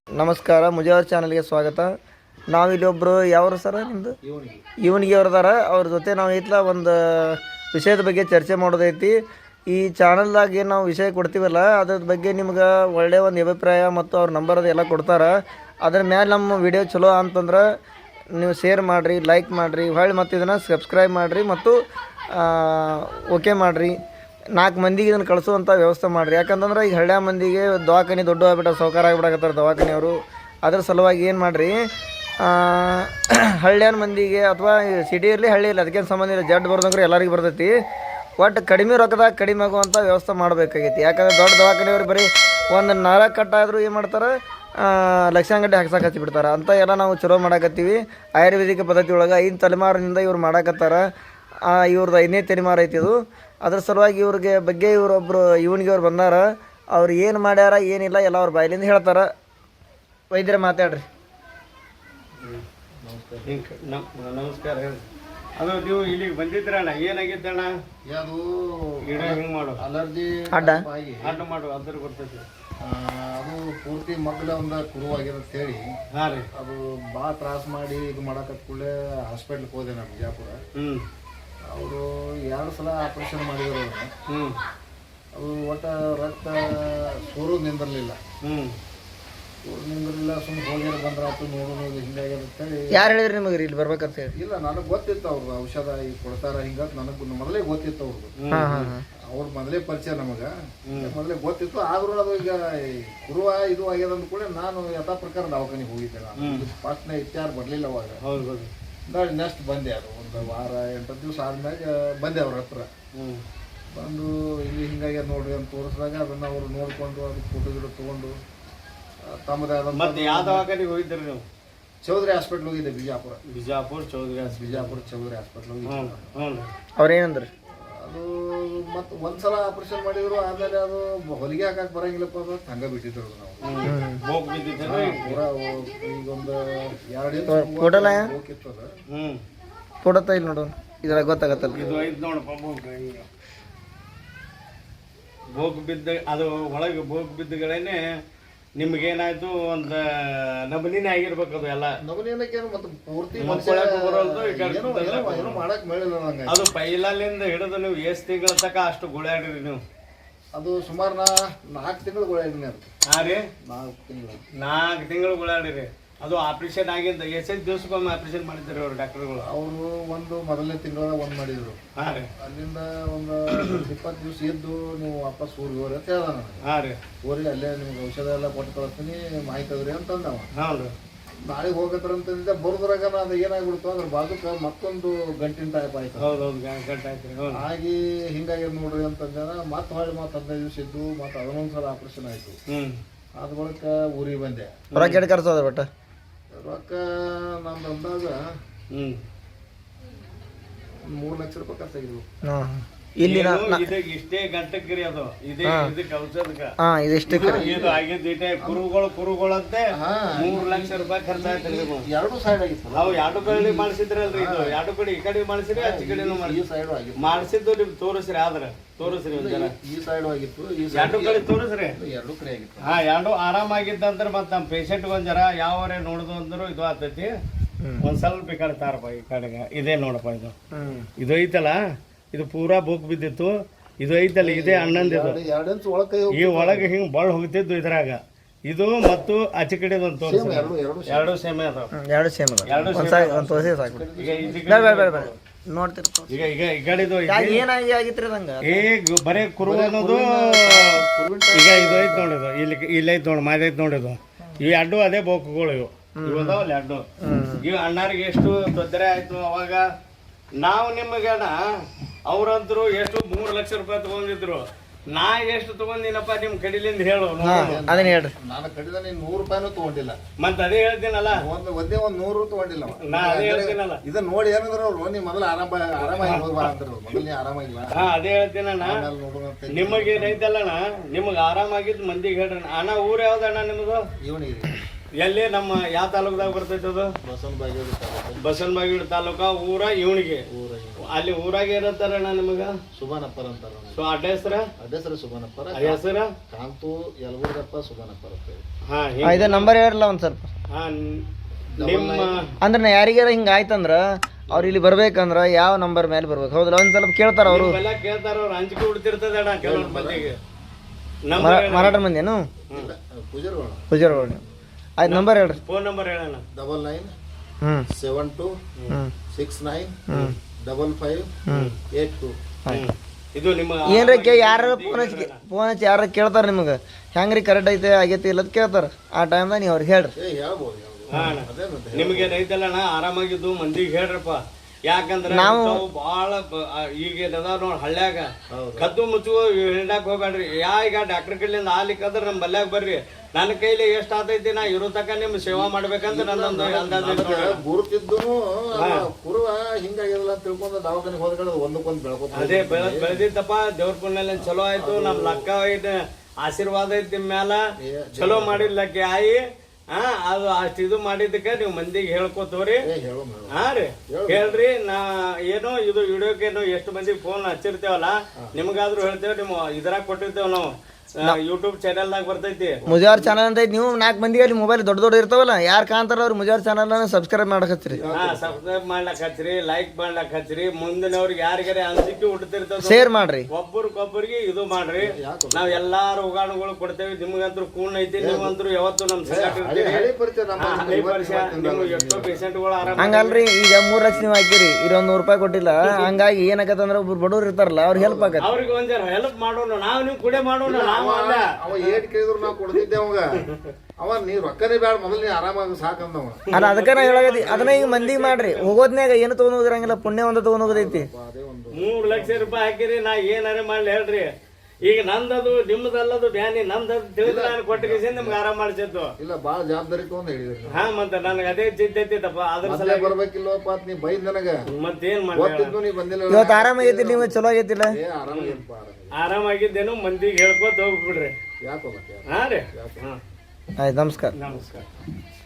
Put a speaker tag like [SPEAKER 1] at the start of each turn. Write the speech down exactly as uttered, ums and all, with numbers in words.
[SPEAKER 1] ನಮಸ್ಕಾರ ಮುಜಾವರ್ ಚಾನಲ್ಗೆ ಸ್ವಾಗತ. ನಾವಿಲ್ಲಿ ಒಬ್ಬರು ಯಾವರು ಸರ ನಿಮ್ಮದು ಇವನಿಗೆ ಅವ್ರದಾರ ಅವ್ರ ಜೊತೆ ನಾವು ಐತ್ಲ ಒಂದು ವಿಷಯದ ಬಗ್ಗೆ ಚರ್ಚೆ ಮಾಡೋದೈತಿ. ಈ ಚಾನಲ್ದಾಗ ಏನು ನಾವು ವಿಷಯ ಕೊಡ್ತೀವಲ್ಲ ಅದ್ರ ಬಗ್ಗೆ ನಿಮ್ಗೆ ಒಳ್ಳೆಯ ಒಂದು ಅಭಿಪ್ರಾಯ ಮತ್ತು ಅವ್ರ ನಂಬರ್ ಅದು ಎಲ್ಲ ಕೊಡ್ತಾರೆ. ಅದ್ರ ಮೇಲೆ ನಮ್ಮ ವಿಡಿಯೋ ಚಲೋ ಅಂತಂದ್ರೆ ನೀವು ಶೇರ್ ಮಾಡಿರಿ, ಲೈಕ್ ಮಾಡಿರಿ, ಹೊಳ್ಳಿ ಮತ್ತು ಇದನ್ನು ಸಬ್ಸ್ಕ್ರೈಬ್ ಮಾಡಿರಿ ಮತ್ತು ಓಕೆ ಮಾಡಿರಿ. ನಾಲ್ಕು ಮಂದಿಗೆ ಇದನ್ನು ಕಳಿಸುವಂಥ ವ್ಯವಸ್ಥೆ ಮಾಡಿರಿ. ಯಾಕಂತಂದ್ರೆ ಈಗ ಹಳ್ಳ್ಯ ಮಂದಿಗೆ ದವಾಖಾನೆ ದೊಡ್ಡ ಆಗ್ಬಿಟ್ಟ ಸೌಕಾರ ಆಗಿಬಿಡಕತ್ತಾರೆ ದವಾಖಾನೆಯವರು. ಅದ್ರ ಸಲುವಾಗಿ ಏನು ಮಾಡಿರಿ, ಹಳ್ಳ್ಯಾನ ಮಂದಿಗೆ ಅಥವಾ ಸಿಟಿ ಇರಲಿ ಹಳ್ಳಿ ಇರಲಿ ಅದಕ್ಕೇನು ಸಂಬಂಧ ಇಲ್ಲ, ಜಡ್ ಬರ್ದಂದ್ರೆ ಎಲ್ಲರಿಗೂ ಬರ್ತೈತಿ. ಒಟ್ಟು ಕಡಿಮೆ ರೊಕ್ಕದಾಗ ಕಡಿಮೆ ಆಗುವಂಥ ವ್ಯವಸ್ಥೆ ಮಾಡಬೇಕಾಗೈತಿ. ಯಾಕಂದ್ರೆ ದೊಡ್ಡ ದವಾಖಾನೆಯವ್ರು ಬರೀ ಒಂದು ನಾಲ್ಕು ಕಟ್ಟಾದರೂ ಏನು ಮಾಡ್ತಾರೆ, ಲಕ್ಷಾಂಗಡ್ಡೆ ಹಾಕ್ಸಕ್ಕೆ ಹಚ್ಚಿಬಿಡ್ತಾರೆ. ಅಂತ ಎಲ್ಲ ನಾವು ಚಲೋ ಮಾಡಾಕತ್ತೀವಿ. ಆಯುರ್ವೇದಿಕ ಪದ್ಧತಿ ಒಳಗೆ ಐದು ತಲೆಮಾರಿನಿಂದ ಇವ್ರು ಮಾಡಾಕತ್ತಾರೆ. ಇವ್ರದ್ದು ಐದನೇ ತಲೆಮಾರು ಐತಿ ಇದು. ಅದ್ರ ಸಲುವಾಗಿ ಇವ್ರಿಗೆ ಬಗ್ಗೆ ಇವರೊಬ್ಬರು ಇವನಿಗೆ ಅವ್ರು ಬಂದಾರ. ಅವ್ರು ಏನು ಮಾಡ್ಯಾರ ಏನಿಲ್ಲ ಎಲ್ಲ ಅವ್ರ ಬಾಯಿಲಿಂದ ಹೇಳ್ತಾರೆ. ವೈದ್ಯರೇ ಮಾತಾಡ್ರಿ.
[SPEAKER 2] ನಮಸ್ಕಾರ. ಅದು ನೀವು ಇಲ್ಲಿಗೆ ಬಂದಿದ್ರಣ್ಣ, ಏನಾಗಿದ್ದಣ್ಣ?
[SPEAKER 3] ಯಾವುದು
[SPEAKER 2] ಗಿಡ ಹಿಂಗೆ ಮಾಡು,
[SPEAKER 3] ಅಲರ್ಜಿ
[SPEAKER 1] ಅಡ್ಡ
[SPEAKER 2] ಅಡ್ಡ ಮಾಡು ಅದ್ರ ಬರ್ತೈತಿ.
[SPEAKER 3] ಅದು ಪೂರ್ತಿ ಮಗ್ಲ ಒಂದು ಕುರುವಾಗಿದೆ ಅಂತ ಹೇಳಿ
[SPEAKER 2] ಹಾಂ ರೀ,
[SPEAKER 3] ಅದು ಭಾಳ ತ್ರಾಸ ಮಾಡಿ ಇದು ಮಾಡಕತ್ ಕೂಡಲೇ ಹಾಸ್ಪಿಟ್ಲಿಗೆ ಹೋದೆ ನಾನು ಬಿಜಾಪುರ.
[SPEAKER 2] ಹ್ಞೂ
[SPEAKER 3] ಅವರು ಎರಡು ಸಲ ಆಪ್ರೇಷನ್ ಮಾಡಿದ್ರು ಅವ್ರನ್ನ.
[SPEAKER 2] ಹ್ಞೂ
[SPEAKER 3] ಅದು ಒಟ್ಟು ರಕ್ತ ಸೋರೋದು ನಿಂದಿರಲಿಲ್ಲ
[SPEAKER 2] ಹ್ಞೂ
[SPEAKER 3] ಸೋರು ನಿಂದಿರಲಿಲ್ಲ ಸುಮ್ಮನೆ ಹೋಗ್ಯಾರ ಬಂದ್ರಾತು ನೋಡೋದು ಹಿಂಗಾಗ್ಯದ ಅಂತೇಳಿ.
[SPEAKER 1] ಯಾರು ಹೇಳಿದ್ರಿ ನಿಮಗೆ ಇಲ್ಲಿ ಬರ್ಬೇಕಂತ ಹೇಳಿ?
[SPEAKER 3] ಇಲ್ಲ, ನನಗೆ ಗೊತ್ತಿತ್ತು ಅವ್ರದ್ದು ಔಷಧ ಈಗ ಕೊಡ್ತಾರ ಹಿಂಗಂತ ನನಗೆ ಮೊದಲೇ ಗೊತ್ತಿತ್ತು ಅವ್ರದ್ದು.
[SPEAKER 1] ಹಾಂ ಹಾಂ ಹಾಂ
[SPEAKER 3] ಅವ್ರ ಮೊದಲೇ ಪರಿಚಯ ನಮಗೆ ಮೊದಲೇ ಗೊತ್ತಿತ್ತು. ಆದ್ರೂ ಅದು ಈಗ ಗುರುವ ಇದು ಆಗ್ಯದ ಅಂದ ಕೂಡ ನಾನು ಯಥಾ ಪ್ರಕಾರ ದವಾಖಾನಿಗೆ ಹೋಗಿದ್ದೆ. ನಾನು ಫಸ್ಟ್ನೇ ಇತ್ಯಾರು ಬರಲಿಲ್ಲ ಅವಾಗ.
[SPEAKER 2] ಹೌದು ಹೌದು.
[SPEAKER 3] ನಾಳೆ ನೆಕ್ಸ್ಟ್ ಬಂದೆ. ಅದು ಒಂದು ವಾರ ಎಂಟು ದಿವಸ ಆದ್ಮ್ಯಾಗ ಬಂದೆ ಅವ್ರ ಹತ್ರ.
[SPEAKER 2] ಹ್ಞೂ
[SPEAKER 3] ಬಂದು ಇಲ್ಲಿ ಹಿಂಗಾಗಿ ನೋಡ್ರಿ ಅಂತ ತೋರಿಸಿದಾಗ ಅದನ್ನ ಅವರು ನೋಡಿಕೊಂಡು ಅದು ಫೋಟೋ ಗಿಡ ತೊಗೊಂಡು ತಮ್ಮದೇ ಆದ
[SPEAKER 2] ಮತ್ತೆ ಯಾವ ದವಾಖಾನಿಗೆ ಹೋಗಿದ್ರಿ ನೀವು?
[SPEAKER 3] ಚೌಧರಿ ಹಾಸ್ಪಿಟ್ಲ್ ಹೋಗಿದ್ದೆ ಬಿಜಾಪುರ.
[SPEAKER 2] ಬಿಜಾಪುರ ಚೌಧರಿ
[SPEAKER 3] ಬಿಜಾಪುರ ಚೌಧರಿ ಹಾಸ್ಪಿಟ್ಲ್ ಹೋಗಿದ್ದೆ.
[SPEAKER 2] ಹ್ಞೂ ಹ್ಞೂ
[SPEAKER 1] ಅವ್ರೇನಂದ್ರಿ?
[SPEAKER 3] ಅದು ಮತ್ತು ಒಂದ್ಸಲ ಆಪರೇಷನ್ ಮಾಡಿದ್ರು. ಆಮೇಲೆ ಅದು ಹೊಲಿಗೆ ಹಾಕಕ್ಕೆ ಬರಂಗಿಲ್ಲಪ್ಪ ಅದು ಹಂಗ ಬಿಟ್ಟಿದ್ರು ನಾವು.
[SPEAKER 2] ಹೋಗಿ ಬಿದ್ದಿದ್ದೆ
[SPEAKER 3] ಪೂರ ಈಗ ಒಂದು ಎರಡು
[SPEAKER 1] ಫೋಟೋಲ
[SPEAKER 3] ಹೋಗಿತ್ತು ಅದು.
[SPEAKER 2] ಹ್ಞೂ
[SPEAKER 1] ಫೋಟೋ ತ ಇಲ್ಲಿ ನೋಡೋಣ, ಇದ್ರಾಗ ಗೊತ್ತಾಗತ್ತಲ್ಲ.
[SPEAKER 2] ಇದು ಐದು ನೋಡಪ್ಪ ಬೋಗ್ ಹಿಂಗೆ ಬೋಗ್ ಬಿದ್ದ ಅದು ಒಳಗೆ ಬೋಗ್ ಬಿದ್ದಗಳೇನೆ ನಿಮ್ಗೇನಾಯ್ತು, ಒಂದು ನಮನಿನೇ ಆಗಿರ್ಬೇಕು ಅದು ಎಲ್ಲ.
[SPEAKER 3] ನಮನೇನಕ್ಕೇನು ಮತ್ತೆ ಪೂರ್ತಿ
[SPEAKER 2] ಮಕ್ಕಳಕ್ಕೆ ಬರೋಲ್ದು ಈ ಕಡೆ
[SPEAKER 3] ಏನೋ ಏನೋ ಏನೋ ಮಾಡಕ್ ಮೇಳಿಲ್ಲ ನಂಗೆ.
[SPEAKER 2] ಅದು ಪೈಲಲ್ಲಿಂದ ಹಿಡಿದು ನೀವು ಎಷ್ಟು ತಿಂಗಳ ತನಕ ಅಷ್ಟು ಗುಳಾಡಿರಿ ನೀವು?
[SPEAKER 3] ಅದು ಸುಮಾರು ನಾ ನಾಲ್ಕು ತಿಂಗಳು ಗುಳಾಡಿನಿ. ಅದು
[SPEAKER 2] ಹಾಂ ರೀ,
[SPEAKER 3] ನಾಲ್ಕು ತಿಂಗಳು
[SPEAKER 2] ನಾಲ್ಕು ತಿಂಗಳು ಗುಳಾಡಿರಿ. ಅದು ಆಪ್ರೇಷನ್ ಆಗಿಂದ ಎಷ್ಟೆಷ್ಟು ದಿವ್ಸಕ್ಕೊಮ್ಮೆ ಆಪ್ರೇಷನ್ ಮಾಡಿದ್ರು ಅವ್ರು ಡಾಕ್ಟರ್ಗಳು?
[SPEAKER 3] ಅವರು ಒಂದು ಮೊದಲನೇ ತಿಂಗಳದಾಗ ಒಂದು ಮಾಡಿದ್ರು.
[SPEAKER 2] ಹಾಂ ರೀ,
[SPEAKER 3] ಅಲ್ಲಿಂದ ಒಂದು ಇಪ್ಪತ್ತು ದಿವಸ ಇದ್ದು ನೀವು ವಾಪಸ್ ಊರಿಗೆ ಹೋಗ್ರಿ ಅಂತ ಹೇಳ್ದ ನನಗೆ.
[SPEAKER 2] ಹಾಂ ರೀ,
[SPEAKER 3] ಊರಿಗೆ ಅಲ್ಲೇ ನಿಮ್ಗೆ ಔಷಧ ಎಲ್ಲ ಕೊಟ್ಟು ಕಳಿಸ್ತೀನಿ ಮಾಹಿತಿ ಅಂತಂದ ಅವ.
[SPEAKER 2] ಹಾಂ ರೀ.
[SPEAKER 3] ನಾಳೆಗೆ ಹೋಗತ್ತಾರ ಅಂತಂದಿದ್ದೆ. ಬರೋದ್ರಾಗ ಅದು ಏನಾಗ್ಬಿಡ್ತು ಅದ್ರ ಬಾಜುಕ ಮತ್ತೊಂದು ಗಂಟಿನ ಟೈಪ್ ಆಯ್ತು.
[SPEAKER 2] ಹೌದು ಹೌದು, ಗಂಟೆ ಆಯ್ತು ರೀ.
[SPEAKER 3] ಹಾಗೆ ಹಿಂಗಾಗಿ ನೋಡ್ರಿ ಅಂತಂದ. ಮತ್ತೆ ಹೊಳ್ಳಿ ಮತ್ತೆ ಹದಿನೈದು ದಿವಸ ಇದ್ದು ಮತ್ತೆ ಅದನ್ನೊಂದು ಸಲ ಆಪ್ರೇಷನ್ ಆಯಿತು.
[SPEAKER 2] ಹ್ಞೂ
[SPEAKER 3] ಅದ ಬಳಿಕ ಊರಿಗೆ ಬಂದೆ.
[SPEAKER 1] ರೊಕ್ಕ ಎಡ್ ಕರ್ಸೋದ್ರ ಬಟ್ಟ
[SPEAKER 3] ರೊಕ್ಕ ನಮ್ದು ಅಂದಾಗ
[SPEAKER 2] ಹ್ಞೂ
[SPEAKER 3] ಮೂರು ಲಕ್ಷ ರೂಪಾಯಿ ಖರ್ಚಾಗಿದ್ವು.
[SPEAKER 1] ಹಾಂ ಇಲ್ಲಿ
[SPEAKER 2] ಇದಕ್ಕೆ ಇಷ್ಟೇ ಗಂಟಕ್ಕೆ ರೀ ಅದು. ಇದೇ ಇದಕ್ಕೆ ಔಷಧಕ್ಕೆ
[SPEAKER 1] ಹಾಂ ಇದಿಷ್ಟು
[SPEAKER 2] ಇದು ಆಗಿದ್ದು ಇಟ್ಟೆ ಕುರುಗಳು ಕುರುಗಳಂತೆ ಮೂರು ಲಕ್ಷ ರೂಪಾಯಿ ಖರ್ಚಾಯ್ತು.
[SPEAKER 3] ಎರಡು ಸೈಡ್ ಆಗಿತ್ತು.
[SPEAKER 2] ನಾವು ಎರಡು ಕಡೆ ಮಾಡಿಸಿದ್ರಲ್ರಿ, ಇದು ಎರಡು ಕಡೆ ಈ ಕಡೆ ಮಾಡಿಸಿರಿ ಆಚೆ ಕಡೆನೂ
[SPEAKER 3] ಈ ಸೈಡ್ ಆಗಿತ್ತು.
[SPEAKER 2] ಮಾಡಿಸಿದ್ದು ನಿಮ್ ತೋರಿಸ್ರಿ, ಆದ್ರೆ ತೋರಿಸ್ರಿ ಒಂದ್ಸಲ.
[SPEAKER 3] ಈ ಸೈಡ್ ಆಗಿತ್ತು, ಈ
[SPEAKER 2] ಎರಡು ಕಡೆ ತೋರಿಸ್ರಿ.
[SPEAKER 3] ಎರಡು ಕಡೆ ಆಗಿತ್ತು.
[SPEAKER 2] ಹಾ, ಎರಡು ಆರಾಮಾಗಿದ್ದಂದ್ರೆ ಮತ್ತೆ ನಮ್ಮ ಪೇಷಂಟ್ ಒಂದ್ ಜರ ಯಾವರೇ ನೋಡುದು ಅಂದ್ರು ಇದು ಆಗ್ತೈತಿ. ಒಂದ್ ಸ್ವಲ್ಪ ಈ ಕಡೆ ತಾರಪ್ಪ, ಈ ಕಡೆಗೆ ಇದೇ ನೋಡಪ್ಪ. ಇದು ಇದು ಐತಲ್ಲ, ಇದು ಪೂರಾ ಬೋಕ್ ಬಿದ್ದಿತ್ತು. ಇದು ಐತಲ್ಲ, ಇದೇ ಅಣ್ಣಂದ. ಇದು
[SPEAKER 3] ಎರಡು ಇಂಚ್ ಒಳಗೆ
[SPEAKER 2] ಈ ಒಳಗೆ ಹಿಂಗ್ ಬಾಳ್ ಹೋಗ್ತಿದ್ದು ಇದ್ರಾಗ. ಇದು ಮತ್ತು ಆಚೆ ಕಡೆ ಒಂದು ತೋರಿಸಿ. ಎರಡು ಸೇಮೆ ಅದಾವ,
[SPEAKER 1] ಎರಡು ಸೇಮ್ ಅದ.
[SPEAKER 2] ಎರಡು
[SPEAKER 1] ಒಂದು ತೋರಿಸಿ ಸಾಕು.
[SPEAKER 2] ಈಗ ಇದಕ್ಕೆ
[SPEAKER 1] ಬೇಡ ಬೇಡ ಬೇಡ ನೋಡ್ತಿರ್ತ.
[SPEAKER 2] ಈಗ ಈಗ ಈ ಕಡೆದು
[SPEAKER 1] ಏನಾಗಿ ಆಗಿತ್ರಿ ನಂಗೆ
[SPEAKER 2] ಏ ಗ- ಬರೇ ಕುರು ಅನ್ನೋದು. ಈಗ ಇದು ಐತ್ ನೋಡಿದು, ಇಲ್ಲಿ ಇಲ್ಲಿ ಐತ್ ನೋಡಿ, ಮಾದ ಐತ್ ನೋಡಿದು. ಇವು ಎರಡು ಅದೇ ಬೋಕುಗಳು ಇವು ಇವು ಅದಾವಲ್ಲ ಎರಡು. ಇವು ಅಣ್ಣಾರಿಗೆ ಎಷ್ಟು ತೊಂದರೆ ಆಯ್ತು ಅವಾಗ. ನಾವು ನಿಮಗಣ ಅವ್ರಂತರು ಎಷ್ಟು ಮೂರು ಲಕ್ಷ ರೂಪಾಯಿ ತಗೊಂಡಿದ್ರು. ನಾ ಎಷ್ಟು ತಗೊಂಡಿನಪ್ಪ ನಿಮ್ ಕಡಿಲಿಂದ ಹೇಳು.
[SPEAKER 1] ಅದನ್ನ ಹೇಳ್ರಿ.
[SPEAKER 3] ನಾನು ಕಡಿದ ನೀನು ನೂರು ರೂಪಾಯಿನೂ ತಗೊಂಡಿಲ್ಲ.
[SPEAKER 2] ಮತ್ ಅದೇ ಹೇಳ್ತೀನಲ್ಲ,
[SPEAKER 3] ಒಂದು ಒಂದೇ ಒಂದು ನೂರು ತಗೊಂಡಿಲ್ಲ.
[SPEAKER 2] ನಾ ಅದೇ ಹೇಳ್ತೀನಲ್ಲ.
[SPEAKER 3] ಇದನ್ನ ನೋಡಿ ಏನಂದ್ರೆ ಅವ್ರು ನೀ ಮೊದಲು ಆರಾಮ ಆರಾಮಾಗಿ ಹೋಗ್ಬಾ ಅಂದ್ರು. ಮೊದಲು ನೀ ಆರಾಮಾಗಿ ಬಾ,
[SPEAKER 2] ಹಾ ಅದೇ ಹೇಳ್ತೀನಣ್ಣ.
[SPEAKER 3] ಆಮೇಲೆ ನೋಡೋಣ ಅಂತ.
[SPEAKER 2] ನಿಮಗೆ ಏನೈತಲ್ಲಣ್ಣ, ನಿಮಗೆ ಆರಾಮಾಗಿದ್ದು ಮಂದಿಗೆ ಹೇಳ್ರಿ. ಅಣ್ಣ ಊರು ಯಾವ್ದಣ್ಣ ನಿಮ್ಮದು?
[SPEAKER 3] ಇವನಿಗೆ
[SPEAKER 2] ಎಲ್ಲಿ ನಮ್ಮ ಯಾವ ತಾಲೂಕದಾಗ ಬರ್ತೈತೆ ಅದು?
[SPEAKER 3] ಬಸವನ ಬಾಗೇವಾಡಿ ತಾಲೂಕು.
[SPEAKER 2] ಬಸವನ ಬಾಗೇವಾಡಿ ತಾಲೂಕ ಊರ ಇವನಿಗೆ. ಅಲ್ಲಿ ಊರಾಗ ಇರತ್ತಾರಣ್ಣ ನಿಮಗ
[SPEAKER 3] ಸುಬಾನಪ್ಪರ್ ಅಂತಾರ
[SPEAKER 2] ಸೊ ಅಡ್ಡ ಹೆಸರ
[SPEAKER 3] ಅಡ್ಡ ಹೆಸರು ಸುಬಾನಪ್ಪರ
[SPEAKER 2] ಹೆಸರ
[SPEAKER 3] ಕಾಂತು ಯಲಬುರ್ಗಪ್ಪ ಸುಬಾನಪ್ಪರ್ ಅಂತ ಹೇಳಿ.
[SPEAKER 2] ಹಾ
[SPEAKER 1] ಆ, ಇದು ನಂಬರ್ ಹೇಳಿರಲ್ಲ ಒಂದು ಸ್ವಲ್ಪ.
[SPEAKER 2] ಹಾ ನಿಮ್ಮ
[SPEAKER 1] ಅಂದ್ರೆ ನಾ ಯಾರಿಗಾರ ಹಿಂಗೆ ಆಯ್ತಂದ್ರ ಅವ್ರು ಇಲ್ಲಿ ಬರ್ಬೇಕಂದ್ರ ಯಾವ ನಂಬರ್ ಮೇಲೆ ಬರ್ಬೇಕು ಹೌದಲ್ಲ ಒಂದು ಸ್ವಲ್ಪ ಕೇಳ್ತಾರ ಅವರು.
[SPEAKER 2] ಎಲ್ಲ ಕೇಳ್ತಾರ ಅವ್ರು ಅಂಜಿಕೆ ಹುಡ್ತಿರ್ತದಣ್ಣ ಕೆಲವ್ರ ಮಂದಿಗೆ.
[SPEAKER 1] ಮರಾಠ ಮಂದಿನು
[SPEAKER 3] ಇಲ್ಲ ಪೂಜಾರಿಗಳು
[SPEAKER 1] ಪೂಜಾರಿಗಳು ನೀವು. ಆಯ್ತು ನಂಬರ್ ಹೇಳ್ರಿ.
[SPEAKER 2] ಫೋನ್ ನಂಬರ್ ಹೇಳಣ್ಣ.
[SPEAKER 3] ಡಬಲ್ ನೈನ್
[SPEAKER 1] ಹ್ಞೂ
[SPEAKER 3] ಸೆವೆನ್ ಟು
[SPEAKER 1] ಹ್ಞೂ
[SPEAKER 3] six nine double five eight two.
[SPEAKER 2] ಇದು ನಿಮ್ಮ
[SPEAKER 1] ಏನ್ರ ಕೇ ಯಾರು ಫೋನ್ ಹಚ್ಚಿ ಫೋನ್ ಹಚ್ಚಿ ಯಾರು ಕೇಳ್ತಾರೆ ನಿಮ್ಗೆ ಹೆಂಗ್ರಿ ಕರೆಕ್ಟ್ ಐತೆ ಆಗೈತಿ ಇಲ್ಲ ಕೇಳ್ತಾರೆ. ಆ ಟೈಮ್ದಾಗ ನೀವು ಅವ್ರಿಗೆ ಹೇಳ್ರಿ.
[SPEAKER 3] ಏ ಹೇಳ್ಬೋದು
[SPEAKER 2] ಹಾ ಅಣ್ಣ. ನಿಮ್ಗೆ ಐತಲ್ಲಣ್ಣ ಆರಾಮಾಗಿದ್ದು ಮಂದಿಗೆ ಹೇಳ್ರಪ್ಪ. ಯಾಕಂದ್ರೆ
[SPEAKER 1] ನಾವು
[SPEAKER 2] ಬಾಳ ಈಗ ಅದಾವ ನೋಡ್ ಹಳ್ಳ್ಯಾಗ ಕದ್ದು ಮುಚ್ಚು ಹಿಡಾಕ್ ಹೋಗ್ಬೇಡ್ರಿ. ಯಾ ಈಗ ಡಾಕ್ಟರ್ ಕೈಲಿಂದ ಆಲಿಕ್ಕಂದ್ರ ನಮ್ ಬಲ್ಯಾಗ ಬರ್ರಿ. ನನ್ನ ಕೈಲಿ ಎಷ್ಟ್ ಆತೈತಿ ನಾ ಇರೋ ತಕ ನಿಮ್ ಸೇವಾ ಮಾಡ್ಬೇಕಂತ ನನ್ನೊಂದು ಅಂದಾಜ್ ಐತಿ ನೋಡ್ರಿ.
[SPEAKER 3] ಗುರುತಿದ್ದು ಕುರುವ ಹಿಂಗಾಗಿರಲ್ಲ ಅಂತ ತಿಳ್ಕೊಂಡು ದವಾಖಾನೆಗೆ ಹೋದ್ಕೊಂಡು ಒಂದಕ್ಕೊಂದು ಬೆಳ್ಕೊತ
[SPEAKER 2] ಅದೇ ಬೆಳ ಬೆಳೆದಿತ್ತಪ್ಪ ದೇವ್ರ ಪುಣ್ಯಲ್ಲಿ ಚಲೋ ಆಯ್ತು. ನಮ್ ಲಕ್ಕ ಐತಿ ಆಶೀರ್ವಾದ ಐತಿ ನಿಮ್ ಮ್ಯಾಲ. ಚಲೋ ಮಾಡಿರ್ಲಕ್ಕೆ ಆಯಿ ಹಾ ಅದು ಅಷ್ಟ್ ಇದು ಮಾಡಿದ್ದಕ್ಕೆ ನೀವು ಮಂದಿಗೆ ಹೇಳ್ಕೊತವ್ರಿ.
[SPEAKER 3] ಹೇಳೋ
[SPEAKER 2] ಹಾ ರೀ ಹೇಳ್ರಿ. ನಾ ಏನೋ ಇದು ವಿಡಿಯೋಕ್ಕೇನು ಎಷ್ಟು ಮಂದಿಗೆ ಫೋನ್ ಹಚ್ಚಿರ್ತೇವಲ್ಲ ನಿಮ್ಗಾದ್ರೂ ಹೇಳ್ತೇವೆ. ನಿಮ್ಮ ಇದ್ರಾಗ ಕೊಟ್ಟಿರ್ತೇವೆ ನಾವು ಯೂಟ್ಯೂಬ್ ಚಾನೆಲ್ದಾಗ ಬರ್ತೈತಿ
[SPEAKER 1] ಮುಜಾರ್ ಚಾನಲ್ ಅಂತ ಐತಿ. ನೀವು ನಾಲ್ಕು ಮಂದಿ ಅಲ್ಲಿ ಮೊಬೈಲ್ ದೊಡ್ಡ ದೊಡ್ಡ ಇರ್ತಾವಲ್ಲ ಯಾರು ಕಾಣ್ತಾರ ಅವ್ರು ಮುಜಾರ್ ಚಾನಲ್ ಸಬ್ಸ್ಕ್ರೈಬ್ ಮಾಡಕತ್ತೀರಿ.
[SPEAKER 2] ಹಾ ಸಬ್ಸ್ಕ್ರೈಬ್ ಮಾಡ್ಲಕ್ ಹಚ್ಚ್ರಿ, ಲೈಕ್ ಮಾಡ್ಲಕ್ ಹಚ್ಚ್ರಿ. ಮುಂದಿನವ್ರಿಗೆ ಯಾರಿಗಾರ ಅನ್ಸಿಕೆ ಹುಟ್ಟತಿರ್ತದ
[SPEAKER 1] ಶೇರ್ ಮಾಡ್ರಿ.
[SPEAKER 2] ಒಬ್ಬರಿಗೊಬ್ಬರಿಗೆ ಇದು ಮಾಡ್ರಿ. ನಾವ್ ಎಲ್ಲಾ ರೋಗಾಣುಗಳು ಕೊಡ್ತೇವಿ. ನಿಮ್ಗಂತೂ ಕೂನ್ ಐತಿ. ನೀವಂತೂ ಯಾವತ್ತು ನಮ್ ಸಂಗಟ ಇರ್ತೀರಿ.
[SPEAKER 3] ಹಳಿ ಪರಿಚಯ ನಮ್ಮ
[SPEAKER 2] ಹಳ್ಳಿ ವರ್ಷ ನಿಮ್ಗೆ ಎಷ್ಟೋ ಪೇಷಂಟ್ಗಳು ಆರಾಮ.
[SPEAKER 1] ಹಂಗಲ್ರಿ ಈಗ ಮೂರ್ ಲಕ್ಷ ನೀವು ಹಾಕಿರಿ ಇದೊಂದ್ ನೂರು ರೂಪಾಯಿ ಕೊಟ್ಟಿಲ್ಲ. ಹಂಗಾಗಿ ಏನಾಗತ್ತಂದ್ರ ಒಬ್ರು ಬಡವ್ರು ಇರ್ತಾರಲ್ಲ ಅವ್ರಿಗೆ ಹೆಲ್ಪ್ ಆಗತ್ತೆ.
[SPEAKER 2] ಅವ್ರಿಗೆ ಒಂದ್ ಜರ ಹೆಲ್ಪ್ ಮಾಡೋಣ. ನಾವ್ ನೀವು ಕುಡೆ ಮಾಡೋಣ. ನಾವು ಅಲ್ಲ
[SPEAKER 3] ಅವ ಏಟ್ ಕೇಳಿದ್ರು ನಾವು ಕೊಡ್ತಿದ್ದೆ ಅವಾಗ. ಅವ ನೀವ್ ರೊಕ್ಕನೇ ಬೇಡ ಮೊದಲು ನೀ ಆರಾಮಾಗ ಸಾಕಂದವ.
[SPEAKER 1] ಅಲ್ಲ ಅದಕ್ಕ ನಾ ಹೇಳಕತ್ತಿ ಅದನ್ನ ಈಗ ಮಂದಿಗೆ ಮಾಡ್ರಿ. ಹೋಗೋದ್ನ್ಯಾಗ ಏನು ತಗೊಂಡ್ ಹೋಗಿರಂಗಿಲ್ಲ ಪುಣ್ಯ ಒಂದು ತಗೊಂಡ್ ಹೋಗೋದೈತಿ.
[SPEAKER 2] ಮೂರ್ ಲಕ್ಷ ರೂಪಾಯಿ ಹಾಕಿರಿ. ನಾ ಏನಾರ ಮಾಡ್ಲಿ ಹೇಳ್ರಿ. ಈಗ ನಂದದು ನಿಮ್ದಲ್ಲದು ಬ್ಯಾನಿ ನಂದದು ತಿಳಿದ್ರೆ ನಾನು ಕೊಟ್ಟಿಗೆ ನಿಮ್ಗೆ ಆರಾಮ್ ಮಾಡ್ಸಿದ್ದು.
[SPEAKER 3] ಇಲ್ಲ ಬಾಳ ಜವಾಬ್ದಾರಿ ತಗೊಂಡ್ ಹೇಳಿದ್ರಿ.
[SPEAKER 2] ಹಾ ಮತ್ತೆ ನನಗೆ ಅದೇ ಚಿಂತೆ ಐತಿತ್ತಪ್ಪ. ಅದ್ರ ಸಲ
[SPEAKER 3] ಮೊದ್ಲೇ ಬರ್ಬೇಕಿಲ್ಲಪ್ಪ ಅಂತ ನೀ ಬೈದ್ ನನಗ.
[SPEAKER 2] ಮತ್ತೇನ್
[SPEAKER 3] ಗೊತ್ತಿದ್ದು
[SPEAKER 2] ಮಾಡಿ
[SPEAKER 3] ನೀ ಬಂದಿಲ್ಲ.
[SPEAKER 1] ಇವತ್ತು ಆರಾಮಾಗೈತಿ ನೀವು ಚಲೋ ಆಗೈತಿಲ್ಲ.
[SPEAKER 3] ಏ ಆರಾಮಾಗಿಲ್ಪ ಆರಾಮ
[SPEAKER 2] ಆರಾಮಾಗಿದ್ದೇನು ಮಂದಿಗೆ ಹೇಳ್ಕೊತ ಹೋಗ್ಬಿಡ್ರಿ.
[SPEAKER 3] ಯಾಕೆ ಹೋಗ್ಬೇಕು
[SPEAKER 2] ಹಾ ರೀ ಹಾ
[SPEAKER 1] ಆಯ್ತು ನಮಸ್ಕಾರ.
[SPEAKER 2] ನಮಸ್ಕಾರ.